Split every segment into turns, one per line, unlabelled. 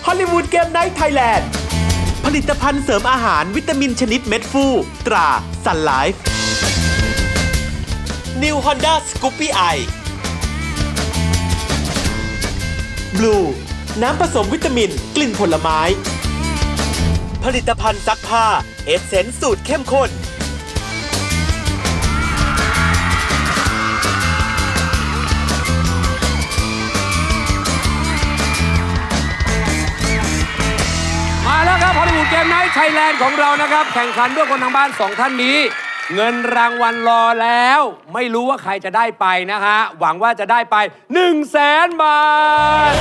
อลลีวูดเกมไนท์ไทยแลนด์ผลิตภัณฑ์เสริมอาหารวิตามินชนิดเม็ดฟูตราซันไลฟ์ New Honda Scoopy i Blue น้ำผสมวิตามินกลิ่นผลไม้ผลิตภัณฑ์ซักผ้าเอสเซนส์สูตรเข้มข้น
มาแล้วครับฮอลลีวูดเกมไนท์ไทยแลนด์ของเรานะครับแข่งขันด้วยคนทางบ้าน 2 ท่านนี้เงินรางวัลรอแล้วไม่รู้ว่าใครจะได้ไปนะฮะหวังว่าจะได้ไป 100,000 บาท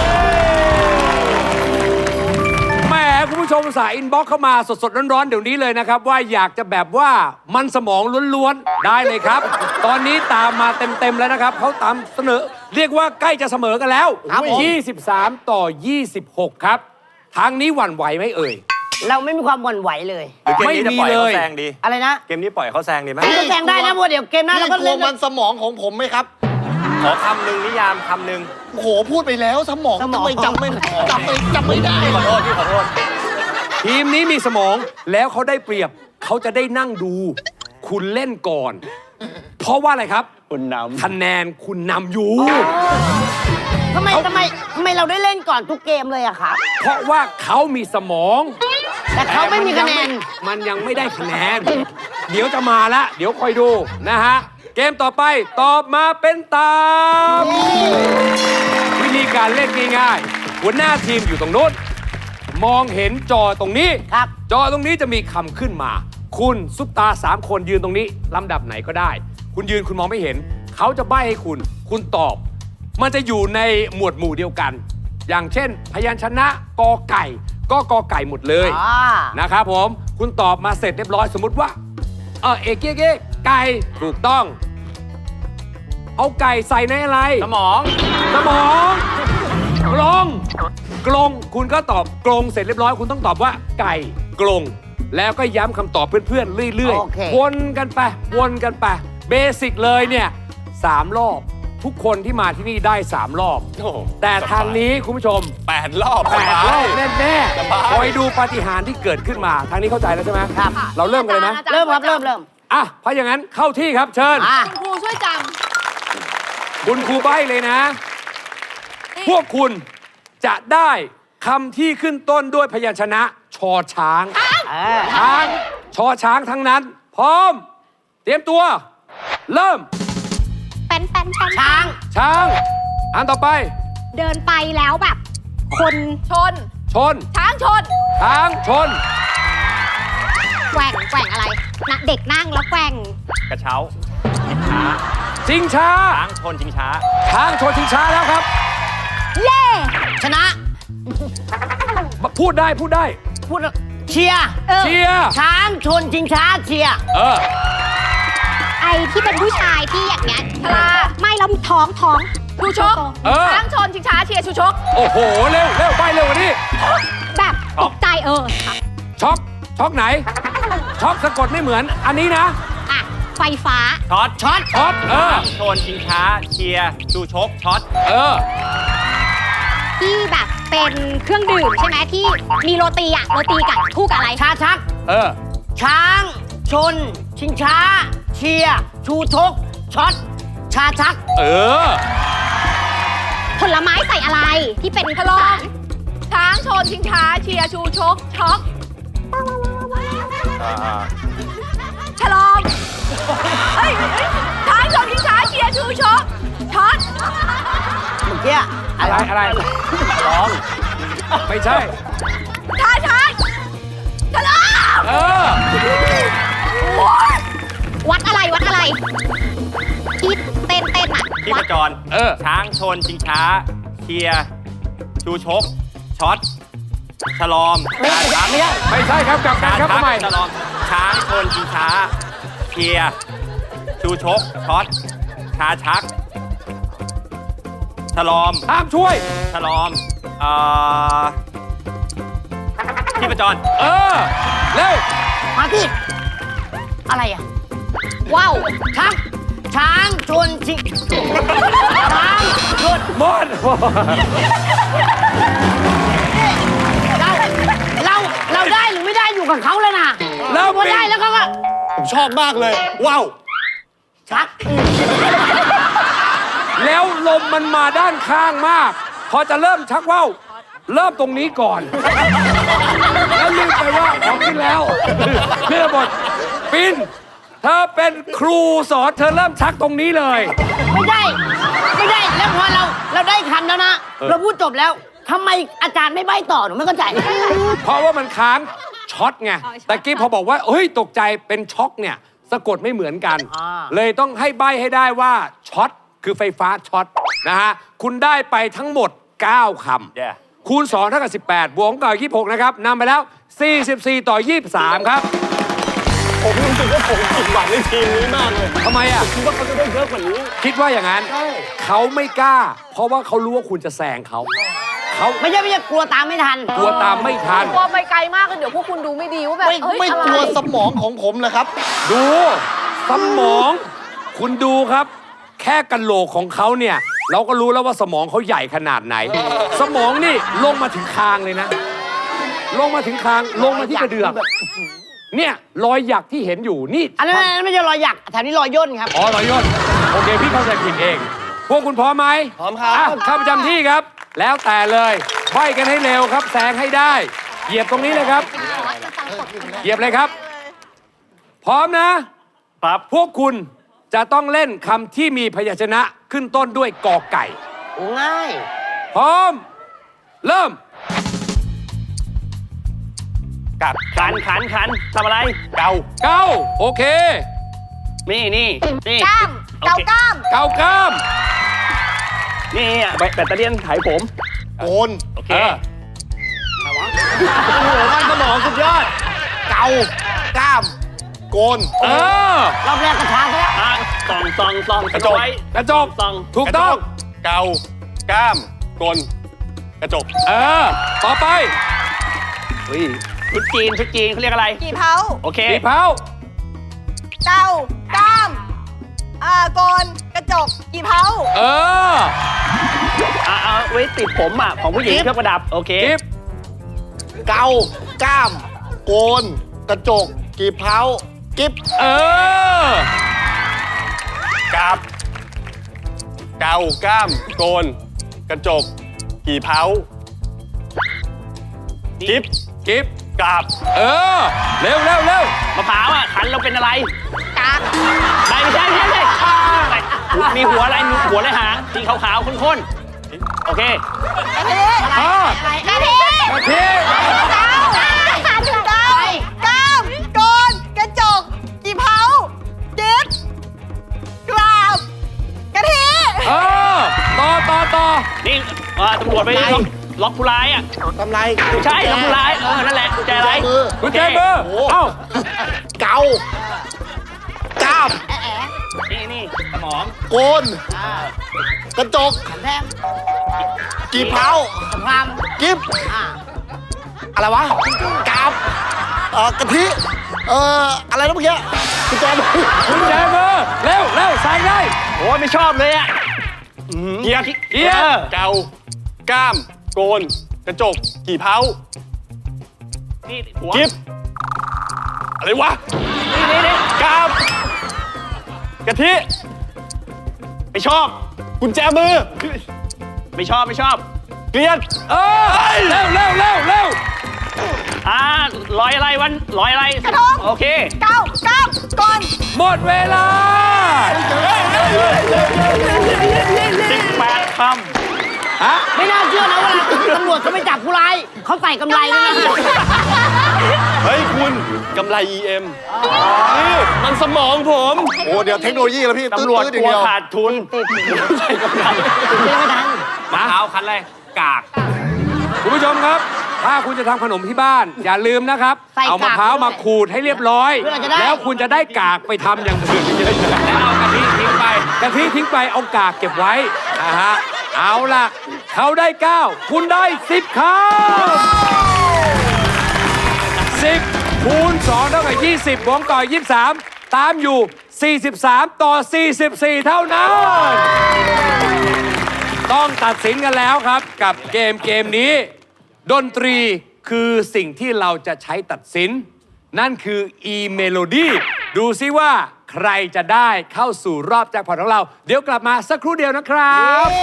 แหมคุณผู้ชมสายอินบ็อกซ์เข้ามาสดๆร้อนๆเดี๋ยวนี้เลยนะครับว่าอยากจะแบบว่ามันสมองล้วนๆได้เลยครับ ตอนนี้ตามมาเต็มๆแล้วนะครับเขาตามเสนอเรียกว่าใกล้จะเสมอกันแล้ว23 ต่อ 26 ครับทางนี้หวั่นไหวไหมเอ่ย
เราไม่มีความหวั่นไหวเลย
เกมนี้จะปล่อยเขาแซงดี
อะไรนะ
เกมนี้ปล่อยเขาแซงดีไหม
ก็แซงได้นะเพราะเดี๋ยวเกมหน้าเราก็เล่น
มันสมองของผมไหมครับ
ขอคำหนึ่งนิยามคำหนึ่ง
โอ้โหพูดไปแล้วสมองทำไมจำไม่ได้
พี่ขอโทษพี่ขอโทษ
ทีมนี้มีสมองแล้วเขาได้เปรียบเขาจะได้นั่งดู คุณเล่นก่อน เพราะว่าอะไรครับ
คุณนำ
คะแนนคุณนำอยู่
ทำไมเราได้เล่นก่อนทุกเกมเลยอะครับ
เพราะว่าเขามีสมอง
แต่เขาไม่มีคะแนน
มันยังไม่ได้คะแนน เดี๋ยวจะมาละเดี๋ยวคอยดูนะฮะเกมต่อไปตอบมาเป็นตามวิธีการเล่นง่ายๆหัวหน้าทีมอยู่ตรงโน้นมองเห็นจอตรงนี้
ครับ
จอตรงนี้จะมีคำขึ้นมา คุณซุปตา3 คนยืนตรงนี้ลำดับไหนก็ได้ คุณยืนคุณมองไม่เห็น เขาจะใบ้ให้คุณตอบ มันจะอยู่ในหมวดหมู่เดียวกัน อย่างเช่น พยัญชนะกอไก่ก็กอไก่หมดเลยนะครับผมคุณตอบมาเสร็จเรียบร้อยสมมุติว่าเอกเก้ไก่ถูกต้อง เอาไก่ใส่ในอะไร
สมอง
กลงคุณก็ตอบกลงเสร็จเรียบร้อยคุณต้องตอบว่าไก่กลงแล้วก็ย้ำคำตอบเพื่อนๆเรื่อยๆวนกันไปเบสิกเลยเนี่ย3 รอบทุกคนที่มาที่นี่ได้3 รอบแต่ทางนี้คุณผู้ชม
8 รอบ
8 รอบแน่ๆคอยดูปาฏิหาริย์ที่เกิดขึ้นมาทางนี้เข้าใจแล้วใช่ไหมครับเราเริ่มกันเลยไหม
เริ่มครับเริ่ม
อ่ะเพราะอย่างนั้นเข้าที่ครับเชิญ
ครูช่วยจ
คุณครูใบ้เลยนะ พวกคุณจะได้คำที่ขึ้นต้นด้วยพยัญชนะชอช้างชอช้างทั้งนั้น พร้อม เตรียมตัว เริ่ม
เป็น
ช้าง
อันต่อไป
เดินไปแล้วแบบ คนชน ช้างชน แกว่งอะไรนะเด็กนั่งแล้วแกว่ง
กระเช้า
ชิงช้า
ช้างชนชิงช้า
ช้างชนชิงช้าแล้วครับ
เย่
ชนะ
พูดได้
พูดเชียร์ ช้างชนชิงช้าเชียร์
ไอที่เป็นผู้ชายที่อย่างเงี้ยชลาไม่แล้วท้องชูชกช้างชนชิงช้าเชียร์ชูชก
โอ้โหเร็วไปเร็วกว่านี้
แบบตกใจ
ช็อกไหนช็อกสะกดไม่เหมือนอันนี้นะ
ไฟฟ้า
ช็อต
ช้างชนชิงช้าเชียร์ชูชกช็อต
ที่แบบเป็นเครื่องดื่มใช่ไหมที่มีโรตีกับคู่กับอะไร
ชาชักช้างชนชิงช้าเชียร์ชูชกช็อตชาชัก
ผลไม้ใส่อะไรที่เป็นพลองช้างชนชิงช้าเชียร์ชูชกช็อกฉลองช้างชนชิงช้าเชียร์ชูชกช็อต
เมื่อกี้
อะไร
ร้อง
ไม่ใช่
ช้างฉลองวัดอะไรที่เต้นอ่ะ
ที่ประจรช้างชนชิงช้าเชียร์ชูชกช็อตฉลอม
ไม่ใช่ครับกลับกันครับทำไม
ฉลอมช้างชนชิงช้าเชียร์ชูชกช็อตชาชักฉลอม
ห้ามช่วย
ฉลอมที่ประจร
เร็ว
มาที่อะไรอ่ะ
ว้าว
ช้างชนชิงช้างชน
มอน
อยู่กับเขาเลยนะ
แล้ว
พอได้แล้วเขาก็
ผมชอบมากเลย ว้าว
ชัก
แล้วลมมันมาด้านข้างมาก พอจะเริ่มชักว่าวเริ่มตรงนี้ก่อน แล้วลืมไปว่าของขึ้นแล้วเรื่องหมดปินเธอเป็นครูสอนเธอเริ่มชักตรงนี้เลย
ไม่ได้แล้วพอเราได้คำแล้วนะเราพูดจบแล้วทำไมอาจารย์ไม่ใบ้ต่อหนูไม่เข้าใจ
เพราะว่ามันค้างช็อตไงแต่กี้พอบอกว่าเฮ้ยตกใจเป็นช็อกเนี่ยสะกดไม่เหมือนกัน
อ่า
เลยต้องให้ใบ้ให้ได้ว่าช็อตคือไฟฟ้าช็อตนะฮะคุณได้ไปทั้งหมด 9 คำ
Yeah
คูณ2เท่ากับ18บวกกับ26นะครับนำไปแล้ว 44 ต่อ 23 ครับ
ผมรู้สึกว่าผมผิดหวังในทีมนี้มากเลย
ทำไมอ่ะ
คิดว่าเขาจะได้เยอะกว่านี้
คิดว่าอย่างนั้นเขาไม่กล้า เพราะว่าเขารู้ว่าคุณจะแซงเขา
ไม่ใช่กลัวตามไม่ทัน
กลัวตามไม่ทัน
กลัวไปไกลมากเลยเดี๋ยวพวกคุณดูไม่ดีว่าแบบ
ไม่
เอ้ย
ไม่
อะไร
กลัวสมองของผมเลยครับ
ดูสมอง คุณดูครับ แค่กะโหลกของเขาเนี่ย เราก็รู้แล้วว่าสมองเขาใหญ่ขนาดไหน สมองนี่ลงมาถึงคางเลยนะ ลงมาถึงคางลงมาที่กระเดือกเนี่ยรอยหยักที่เห็นอยู่นี่
อันนั้นไม่ใช่รอยหยักแถวนี้รอยย่นครับ
อ๋อรอยย่นโอเคพี่เข้าใจผิดเอง พวกคุณพร้อมไหม
พร้อมครับ
เข้าประจำที่ครับ แล้วแต่เลยใบ้กันให้เร็วครับแซงให้ได้ เหยียบตรงนี้เลยครับ เหยียบเลยครับ พร้อมนะ
ครับ
พวกคุณจะต้องเล่นคำที่มีพยัญชนะขึ้นต้นด้วยกอไก่
ง่าย
พร้อม เริ่ม
กัดขันทำอะไร เกา
เก้าโอเค
นี่
กล้ามเกากล้าม
เก้ากล้าม
นี่แบตเตอรี่ถ่ายผม
โกน
โอเค
เออ
มันสมองสุดยอด เกา กล้าม โกน
เออ
รอบแรกก็ช้าไปแล้ว
ส่องกระจก
กระจก
ส่อง
ถูกต้อง
เกา ก้าม กล กระจก
เออ ต่อไป
ชุดจีนเขาเรียกอะไร
กี่เผา
โอเค
ปีเผา
เกากล้ามโกนกระจกกี่เผา
เออ
เอาไว้ติดผมอ่ะ ของผู้หญิงเครื่องประดับ โอเค
กิฟ
เกา กล้าม โกน กระจก กีบเท้า กิ๊บ
เออ
กาบ เกา ก้าม โกน กระจก กี่เผากิ๊บ
กิฟ
กาบ
เออ เร็วเร็วเร็ว
มะพร้าวอ่ะขันเราเป็นอะไร
กาก
ไม่ใช่มีหัวอะไรมีหัวและหางสีขาวๆข้นๆ โอเค
กะทิ
อ่าก
ะทิ
กะทิ
เกาถูกต้องกล้ามโกนกระจกกี่เผากิ๊บกราบกะทิ
เออ ต่อ
นี่ตำรวจไปล็อกผู้ร้ายอ่ะ
ทำไร
ไม่ใช่ล็อกผู้ร้าย นั่นแหละกุญแจอะไร
มือ
กุญแจมือ
โอ้โห
เอ้า
เกา กล้าม
นี่สมอง
โกน กระจก
แทง
กีบเท้า
สงคราม
กิ๊บ
อ่า
อะไรวะ กาบกะทิ อะไรนะเมื่อกี้คุณแจม
กุญแจมือ เร็วเร็วใส่ได้
โอ้ยไม่ชอบเลยอ่ะเกียร์
เกียร์
เกา ก้าม โกน กระจก กี่เผานี่หัวกิ๊บอะไรวะ นี่กาบกะทิ ไม่ชอบ กุญแจมือ ไม่ชอบ เกลียด
เออ เร็วเร็วเร็วเร็ว
ร้อยอะไรร้อยอะไร
กระทง
โอเค
เกาก้ามโกน
หมดเวลา
18 คำ
ฮะ
ไม่น่าเชื่อนะเวลาตำรวจเขาไม่จับผู้ร้ายเขาใส่กำไรด้วยนะ
เฮ้ยคุณกำไร EM นี่มันสมองผม
โอ้เดี๋ยวเทคโนโลยีแล้วพี่
ตำรวจ
ตื้อๆ
ก
อย่าง
ลัว
เดียว
ขาดทุน ใส่กำไร
ไม่ทัน
มะพร้าวคันอะไรกาก
คุณผู้ชมครับ ถ้าคุณจะทำขนมที่บ้าน อย่าลืมนะครับ
ใส่กาก
เอามะพร้าวมาขูดให้เรียบร้อย
เพื่อจะได้
แล้วคุณจะได้กากไปทำอย่างอื่นเยอะๆแล้วเอากะทิทิ้งไปกะทิทิ้งไปเอากากเก็บไว้นะฮะเอาล่ะ เขาได้ 9 คุณได้ 10คำ10คูณ2เท่ากับ20บวกกับ23 ตามอยู่ 43 ต่อ 44 เท่านั้น ต้องตัดสินกันแล้วครับกับเกมนี้ ดนตรีคือสิ่งที่เราจะใช้ตัดสิน นั่นคือ e-melody ดูซิว่าใครจะได้เข้าสู่รอบแจ็คพอตของเรา เดี๋ยวกลับมาสักครู่เดียวนะครับ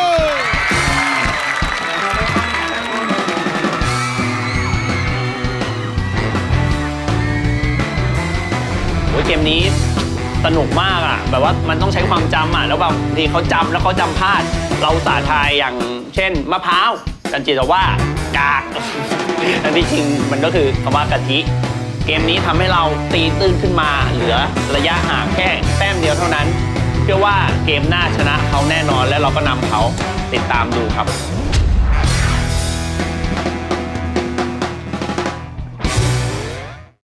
โอ้ยเกมนี้สนุกมากอ่ะแบบว่ามันต้องใช้ความจำอ่ะแล้วบางทีเขาจำแล้วเขาจำพลาด เราสาทายอย่างเช่นมะพร้าวจันจิตว่ากาก แต่ที่จริงมันก็คือคำว่ากะทิเกมนี้ทำให้เราตีตื้นขึ้นมาเหลือระยะห่างแค่แต้มเดียวเท่านั้นเชื่อว่าเกมหน้าชนะเขาแน่นอนและเราก็นำเขาติดตามดูครับ